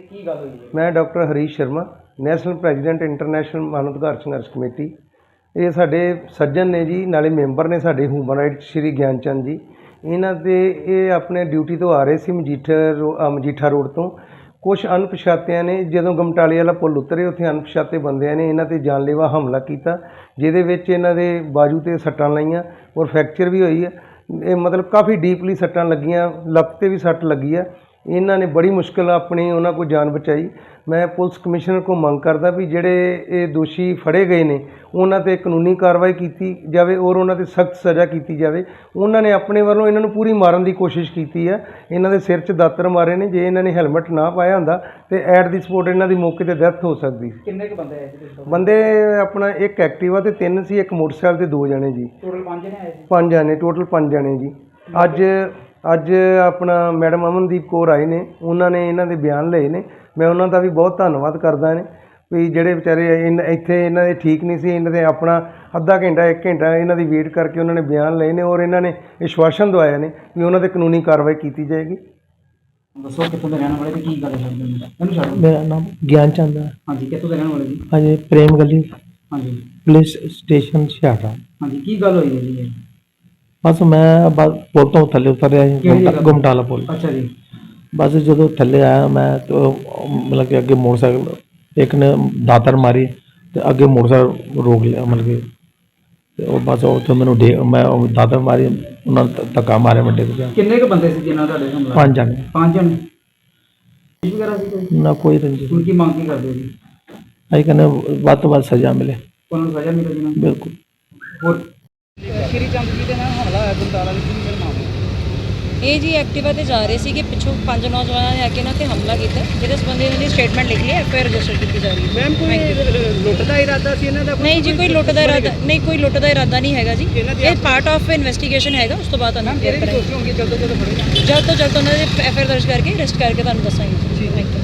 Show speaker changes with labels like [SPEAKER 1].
[SPEAKER 1] ਕੀ ਗੱਲ ਹੋਈ ਹੈ?
[SPEAKER 2] मैं doctor Harish Sharma national president international Manav Adhikar Sangharsh committee. ये साडे सज्जन ने जी, नाले मैंबर ने साडे ह्यूमन राइट्स श्री ज्ञान चंद जी। इन्हां दे ये अपने ड्यूटी तो आ रहे सी मजीठा रोड तो। कुछ अणपछातिਆਂ ने ਜਦੋਂ ਗਮਟਾਲੇ ਵਾਲਾ ਪੁਲ ਉਤਰੇ ਉੱਥੇ ਅਣਪਛਾਤੇ ਬੰਦਿਆਂ ਨੇ ਇਹਨਾਂ 'ਤੇ ਜਾਨਲੇਵਾ ਹਮਲਾ ਕੀਤਾ, ਜਿਹਦੇ ਵਿੱਚ ਇਹਨਾਂ ਦੇ ਬਾਜੂ 'ਤੇ ਸੱਟਾਂ ਲਾਈਆਂ ਔਰ ਫ੍ਰੈਕਚਰ ਵੀ ਹੋਈ ਹੈ। ਇਹ ਮਤਲਬ ਕਾਫੀ ਡੀਪਲੀ ਸੱਟਾਂ ਲੱਗੀਆਂ, ਲੱਤ 'ਤੇ ਵੀ ਸੱਟ ਲੱਗੀ ਆ। ਇਹਨਾਂ ਨੇ ਬੜੀ ਮੁਸ਼ਕਿਲ ਆਪਣੀ ਉਹਨਾਂ ਕੋਲ ਜਾਨ ਬਚਾਈ। ਮੈਂ ਪੁਲਿਸ ਕਮਿਸ਼ਨਰ ਕੋਲ ਮੰਗ ਕਰਦਾ ਵੀ ਜਿਹੜੇ ਇਹ ਦੋਸ਼ੀ ਫੜੇ ਗਏ ਨੇ ਉਹਨਾਂ 'ਤੇ ਕਾਨੂੰਨੀ ਕਾਰਵਾਈ ਕੀਤੀ ਜਾਵੇ ਔਰ ਉਹਨਾਂ 'ਤੇ ਸਖਤ ਸਜ਼ਾ ਕੀਤੀ ਜਾਵੇ। ਉਹਨਾਂ ਨੇ ਆਪਣੇ ਵੱਲੋਂ ਇਹਨਾਂ ਨੂੰ ਪੂਰੀ ਮਾਰਨ ਦੀ ਕੋਸ਼ਿਸ਼ ਕੀਤੀ ਹੈ। ਇਹਨਾਂ ਦੇ ਸਿਰ 'ਚ ਦਾਤਰ ਮਾਰੇ ਨੇ। ਜੇ ਇਹਨਾਂ ਨੇ ਹੈਲਮਟ ਨਾ ਪਾਇਆ ਹੁੰਦਾ ਤੇ ਐਟ ਦੀ ਸਪੋਟ ਇਹਨਾਂ ਦੀ ਮੌਕੇ 'ਤੇ ਡੈਥ ਹੋ ਸਕਦੀ ਸੀ।
[SPEAKER 1] ਕਿੰਨੇ ਕੁ ਬੰਦੇ ਆਏ ਸੀ?
[SPEAKER 2] ਬੰਦੇ ਆਪਣਾ ਇੱਕ ਐਕਟਿਵਾ ਤੇ 3 ਸੀ, ਇੱਕ ਮੋਟਰਸਾਈਕਲ ਤੇ 2 ਜਣੇ ਜੀ।
[SPEAKER 1] ਟੋਟਲ 5 ਜਣੇ ਆਏ ਸੀ?
[SPEAKER 2] 5 ਜਣੇ ਟੋਟਲ 5 ਜਣੇ ਜੀ। ਅੱਜ ਆਪਣਾ ਮੈਡਮ ਅਮਨਦੀਪ ਕੌਰ ਆਏ ਨੇ, ਉਹਨਾਂ ਨੇ ਇਹਨਾਂ ਦੇ ਬਿਆਨ ਲਏ ਨੇ। ਮੈਂ ਉਹਨਾਂ ਦਾ ਵੀ ਬਹੁਤ ਧੰਨਵਾਦ ਕਰਦਾ ਨੇ ਵੀ ਜਿਹੜੇ ਵਿਚਾਰੇ ਇੱਥੇ ਇਹਨਾਂ ਦੇ ਠੀਕ ਨਹੀਂ ਸੀ, ਇਹਨਾਂ ਦੇ ਆਪਣਾ ਅੱਧਾ ਘੰਟਾ 1 ਘੰਟਾ ਇਹਨਾਂ ਦੀ ਵੇਟ ਕਰਕੇ ਉਹਨਾਂ ਨੇ ਬਿਆਨ ਲਏ ਨੇ ਔਰ ਇਹਨਾਂ ਨੇ ਵਿਸ਼ਵਾਸਨ ਦਵਾਇਆ ਨੇ ਵੀ ਉਹਨਾਂ 'ਤੇ ਕਾਨੂੰਨੀ ਕਾਰਵਾਈ ਕੀਤੀ ਜਾਏਗੀ।
[SPEAKER 1] ਦੱਸੋ ਕਿੱਥੋਂ ਦੇ ਰਹਿਣ ਵਾਲੇ ਤੇ ਕੀ ਗੱਲ ਹੈ? ਮੈਨੂੰ ਛੱਡੋ।
[SPEAKER 3] मेरा नाम ज्ञान चंद है।
[SPEAKER 1] ਹਾਂਜੀ, ਕਿੱਥੋਂ ਦੇ ਰਹਿਣ ਵਾਲੇ ਜੀ?
[SPEAKER 3] हाँ जी, प्रेम गली
[SPEAKER 1] ਹਾਂਜੀ
[SPEAKER 3] पुलिस स्टेशन सियाड़ा।
[SPEAKER 1] ਹਾਂਜੀ, ਕੀ ਗੱਲ ਹੋਈ ਹੈ ਜੀ ਇਹ?
[SPEAKER 3] बस मैं बस पुल तो थले उतर
[SPEAKER 1] ਕਿਹੜੀ
[SPEAKER 3] आया
[SPEAKER 1] ਜਗ੍ਹਾ?
[SPEAKER 3] गुमटाला पुल।
[SPEAKER 1] ਅੱਛਾ ਜੀ।
[SPEAKER 3] बस जो थले आया मैं तो मतलब कि अगे मोटरसाइकिल एक ने दातर मारी तो अगे मोटरसाइकिल रोक लिया, मतलब कि तो बस तो मैंने मैं दातर मारी, उन्होंने धक्का मारे मैं डिग गया।
[SPEAKER 1] ਕਿੰਨੇ ਕੁ ਬੰਦੇ ਸੀ ਜਿਨ੍ਹਾਂ ਤੁਹਾਡੇ ਹਮਲਾ?
[SPEAKER 3] 5 जने
[SPEAKER 1] 5 ਜਣੇ ਵਗੈਰਾ ਸੀ ਕੋਈ?
[SPEAKER 3] ना कोई रंजिश।
[SPEAKER 1] ਹੁਣ ਕੀ ਮੰਗ ਕੀ ਕਰਦੇ ਹੋ ਜੀ?
[SPEAKER 3] अभी कहने बात तो बात सजा मिले
[SPEAKER 1] ਉਹਨਾਂ ਨੂੰ ਸਜ਼ਾ ਮਿਲੇ ਜੀ ਨਾ?
[SPEAKER 3] बिल्कुल।
[SPEAKER 1] ਹੋਰ ਸ਼੍ਰੀ ਚੰਦ ਜੀ ਦੇ ਨਾਲ ਹਮਲਾ ਹੋਇਆ ਗੁਰਦਾਰਾ ਵਿੱਚ ਕੀ ਮਾਮਲਾ?
[SPEAKER 4] ਇਹ ਜੀ ਐਕਟਿਵਾ ਤੇ ਜਾ ਰਹੇ ਸੀਗੇ, ਪਿੱਛੋਂ 5 ਨੌਜਵਾਨਾਂ ਨੇ ਆ ਕੇ ਇਹਨਾਂ ਤੇ ਹਮਲਾ ਕੀਤਾ, ਜਿਹਦੇ ਸੰਬੰਧੀ ਇਹਨਾਂ ਦੀ ਸਟੇਟਮੈਂਟ ਲਿਖ ਲਈ, ਐਫਆਈਆਰ ਰਜਿਸਟਰ ਕੀਤੀ ਜਾ ਰਹੀ ਹੈ।
[SPEAKER 1] ਮੈਮ ਕੋਈ ਲੁੱਟ ਦਾ ਇਰਾਦਾ ਸੀ ਇਹਨਾਂ ਦਾ?
[SPEAKER 4] ਨਹੀਂ ਜੀ, ਕੋਈ ਲੁੱਟ ਦਾ ਇਰਾਦਾ ਨਹੀਂ, ਕੋਈ ਲੁੱਟ ਦਾ ਇਰਾਦਾ ਨਹੀਂ ਹੈਗਾ ਜੀ। ਇਹ ਪਾਰਟ ਆਫ ਇਨਵੈਸਟੀਗੇਸ਼ਨ ਹੈਗਾ, ਉਸ ਤੋਂ ਬਾਅਦ ਤੁਹਾਨੂੰ ਕਲੀਅਰ ਕਰਾਂਗੇ।
[SPEAKER 1] ਦੋਸ਼ੀ ਹੋਣਗੇ ਜਲਦ ਤੋਂ ਜਲਦ ਫੜੇ ਜਾਣ।
[SPEAKER 4] ਜਲਦ ਤੋਂ ਜਲਦ ਉਹਨਾਂ ਦੇ ਐਫਆਈਆਰ ਦਰਜ ਕਰਕੇ ਅਰੈਸਟ ਕਰਕੇ ਤੁਹਾਨੂੰ ਦੱਸਾਂਗੇ ਜੀ। Thank you.